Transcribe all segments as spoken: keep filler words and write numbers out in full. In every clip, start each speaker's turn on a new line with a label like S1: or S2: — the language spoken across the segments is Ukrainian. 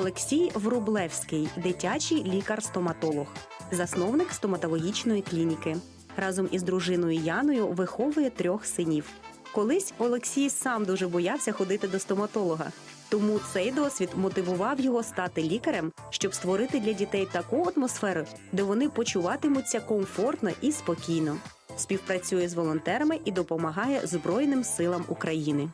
S1: Олексій Врублевський – дитячий лікар-стоматолог, засновник стоматологічної клініки. Разом із дружиною Яною виховує трьох синів. Колись Олексій сам дуже боявся ходити до стоматолога. Тому цей досвід мотивував його стати лікарем, щоб створити для дітей таку атмосферу, де вони почуватимуться комфортно і спокійно. Співпрацює з волонтерами і допомагає Збройним силам України.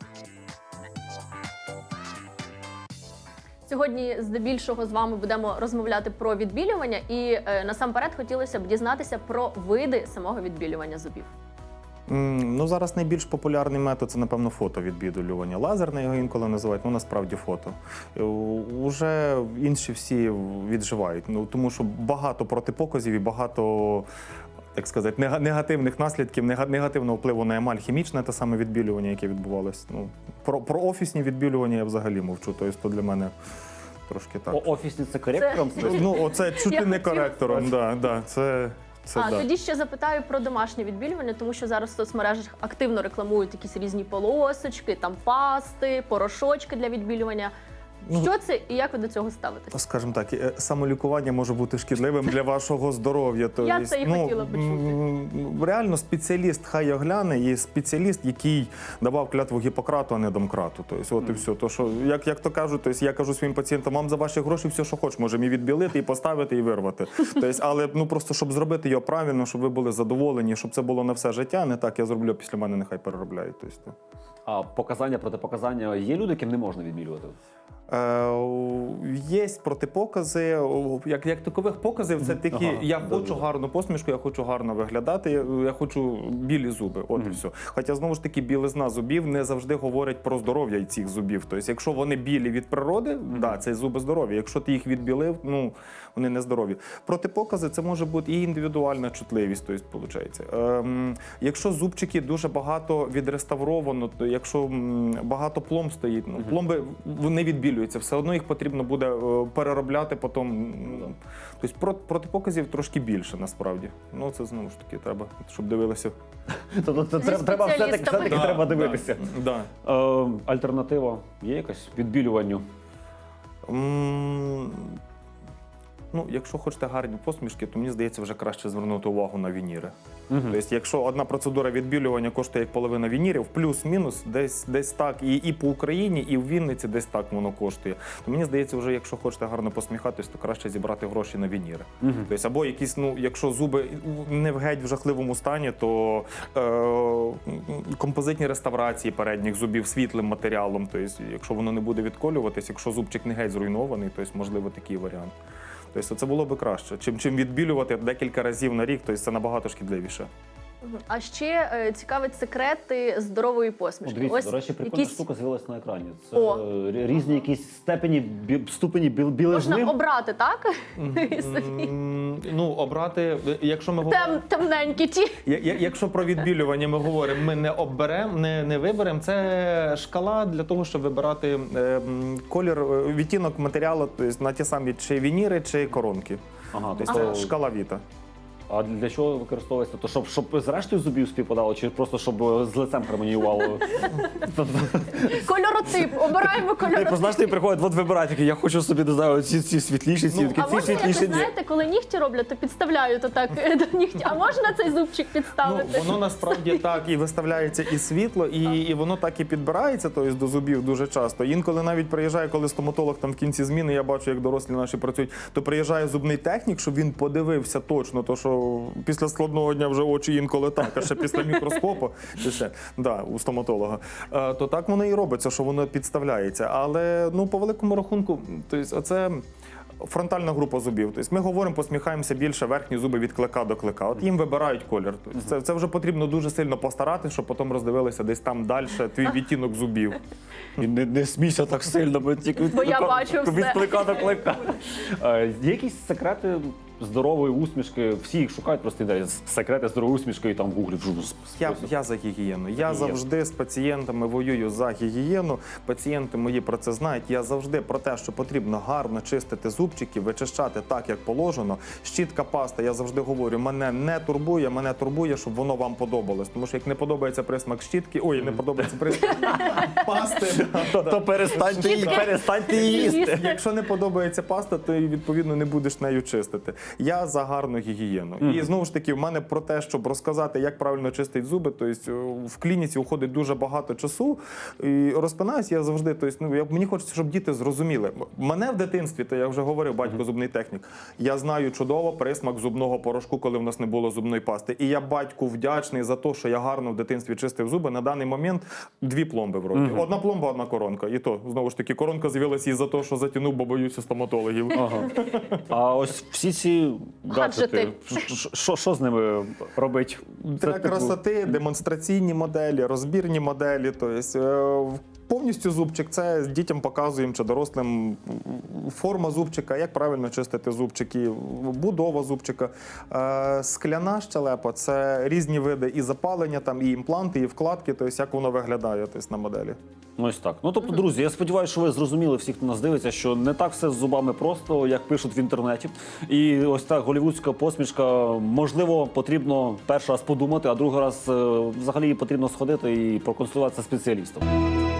S2: Сьогодні здебільшого з вами будемо розмовляти про відбілювання і е, насамперед хотілося б дізнатися про види самого відбілювання зубів.
S3: Ну, зараз найбільш популярний метод – це, напевно, фотовідбілювання. Лазерне його інколи називають, ну, насправді фото. Е, Уже інші всі відживають, ну, тому що багато протипоказів і багато, так сказати, негативних наслідків, негативного впливу на емаль, хімічне те саме відбілювання, яке відбувалося. Ну, про, про офісні відбілювання я взагалі мовчу, тобто то для мене трошки так.
S4: О, офісні – це коректором?
S2: Це...
S3: Ну, оце чуть
S2: Я
S3: ли не
S2: хотіла
S3: коректором, да, да, це... Це
S2: а,
S3: да.
S2: тоді ще запитаю про домашнє відбілювання, тому що зараз в соцмережах активно рекламують якісь різні полосочки, там пасти, порошочки для відбілювання.
S3: Ну,
S2: що це і як ви до цього ставитесь?
S3: Скажімо так, самолікування може бути шкідливим для вашого здоров'я. То
S2: Я
S3: є,
S2: це і
S3: ну,
S2: хотіла почути.
S3: Реально спеціаліст хай огляне, є спеціаліст, який давав клятву Гіппократу, а не Домкрату. Тобто, от mm. і все. То, що, як, як то кажуть, тобто, я кажу своїм пацієнтам, вам за ваші гроші все, що хочеш, можемо і відбілити, і поставити, і вирвати. Тобто, але ну, просто, щоб зробити його правильно, щоб ви були задоволені, щоб це було на все життя, не так я зроблю, після мене нехай переробляють. Тобто.
S4: А показання, протипоказання, є люди, яким не можна відбілювати?
S3: Є протипокази, як, як такових показів, це такі,
S4: ага,
S3: я
S4: да,
S3: хочу
S4: да.
S3: гарну посмішку, я хочу гарно виглядати, я, я хочу білі зуби, от mm. і все. Хоча, знову ж таки, білизна зубів не завжди говорять про здоров'я цих зубів. Тобто, якщо вони білі від природи, mm. да, це зуби здорові. Якщо ти їх відбілив, ну, вони не здорові. Протипокази – це може бути і індивідуальна чутливість, тобто, виходить. Ем, якщо зубчики дуже багато відреставровано, то якщо багато пломб стоїть, ну, пломби не відбілюють. Все одно їх потрібно буде переробляти потім. Тобто протипоказів трошки більше, насправді. Ну, це, знову ж таки, треба, щоб дивилися.
S4: Тобто треба все-таки треба дивитися.
S3: Да.
S4: Е, альтернатива є якась відбілюванню?
S3: М, Ну, якщо хочете гарні посмішки, то мені здається, вже краще звернути увагу на вініри. Uh-huh. Тобто, якщо одна процедура відбілювання коштує як половина вінірів, плюс-мінус, десь, десь так, і, і по Україні, і в Вінниці десь так воно коштує, то мені здається, вже якщо хочете гарно посміхатись, то краще зібрати гроші на вініри. Uh-huh. Тобто, або якісь, ну, якщо зуби не в геть в жахливому стані, то е, композитні реставрації передніх зубів світлим матеріалом, тобто, якщо воно не буде відколюватись, якщо зубчик не геть зруйнований, то можливо такий варіант. Тобто це було б краще. Чим, чим відбілювати декілька разів на рік, тобто це набагато шкідливіше.
S2: А ще е, цікавить секрети здорової посмішки.
S4: О, дивіться,
S2: Ось
S4: до речі, прикольна
S2: якісь...
S4: штука з'явилася на екрані. Це
S2: О.
S4: е, різні якісь степені, бі, ступені біл, білизни.
S2: Можна обрати, так?
S3: Ну, обрати, якщо ми говоримо...
S2: Тем, темненькі ті.
S3: Якщо про відбілювання ми говоримо, ми не оберемо, не, не виберемо. Це шкала для того, щоб вибирати е, колір, відтінок матеріалу, тобто на ті самі чи вініри, чи коронки. Ага, тобто це шкала Віта.
S4: А для чого використовується? То щоб, щоб з рештою зубів співпадало, чи просто щоб з лицем гармоніювало?
S2: Кольоротип, обираємо кольоротип.
S4: Як, знаєш, ти приходить, от вибирай, такий, я хочу собі, не знаю, ці, ці світліші, ці,
S2: Ну,
S4: такі,
S2: а
S4: ці
S2: можна, як
S4: світліші.
S2: ви знаєте, коли нігті роблять, то підставляють отак до нігті. А можна цей зубчик підставити?
S3: Ну, воно насправді так і виставляється і світло, і, і воно так і підбирається, тобто до зубів дуже часто. Інколи навіть приїжджає, коли стоматолог там в кінці зміни, я бачу, як дорослі наші працюють, то приїжджає зубний технік, щоб він подивився точно, то що після складного дня вже очі інколи так, а ще після мікроскопу, ще, да, у стоматолога, то так воно і робиться, що воно підставляється. Але, ну, по великому рахунку, тобто, оце фронтальна група зубів. Тобто, ми говоримо, посміхаємося більше, верхні зуби від клика до клика. От їм вибирають колір. Тобто, це, це вже потрібно дуже сильно постаратися, щоб потім роздивилися десь там далі твій відтінок зубів.
S4: І не, не смійся так сильно, бо тільки від,
S2: Бо я
S4: клика,
S2: бачу
S4: від
S2: все.
S4: клика до клика. Е, Є якісь секрети здорової усмішки, всі їх шукають, просто йде секрети здорової усмішки і там в гуглі вжу.
S3: Я, я за гігієну. Я завжди з пацієнтами воюю за гігієну. Пацієнти мої про це знають. Я завжди про те, що потрібно гарно чистити зубчики, вичищати так, як положено. Щітка, паста, я завжди говорю, мене не турбує, мене турбує, щоб воно вам подобалось. Тому що як не подобається присмак щітки, ой, не подобається присмак пасти,
S4: То перестаньте перестаньте її їсти.
S3: якщо не подобається паста, то і, відповідно не будеш нею чистити. Я за гарну гігієну. І знову ж таки, в мене про те, щоб розказати, як правильно чистити зуби, тобто в клініці уходить дуже багато часу. І розпинаюсь я завжди, тобто, ну, я, мені хочеться, щоб діти зрозуміли. Мене в дитинстві, то я вже говорив, батько зубний технік, я знаю чудово присмак зубного порошку, коли в нас не було зубної пасти. І я батьку вдячний за те, що я гарно в дитинстві чистив зуби. На даний момент дві пломби в роті. Одна пломба, одна коронка. І то, знову ж таки, коронка з'явилася із-за того, що затягнув, бо боюся стоматологів.
S4: Ага. А ось всі ці гаджети,
S2: Гаджети.
S4: що- що- що з ними робить?
S3: Для
S4: Це, типу,
S3: красоти, демонстраційні моделі, розбірні моделі. Тобто, е, повністю зубчик, це дітям показуємо чи дорослим форма зубчика, як правильно чистити зубчики, будова зубчика. Е, Скляна щелепа – це різні види і запалення, там, і імпланти, і вкладки, тобто, як воно виглядає тобто, на моделі.
S4: Ось так. Ну тобто, друзі, я сподіваюся, що ви зрозуміли всі, хто нас дивиться, що не так все з зубами просто, як пишуть в інтернеті. І ось так голівудська посмішка, можливо, потрібно перший раз подумати, а другий раз е, взагалі потрібно сходити і проконсультуватися з спеціалістом.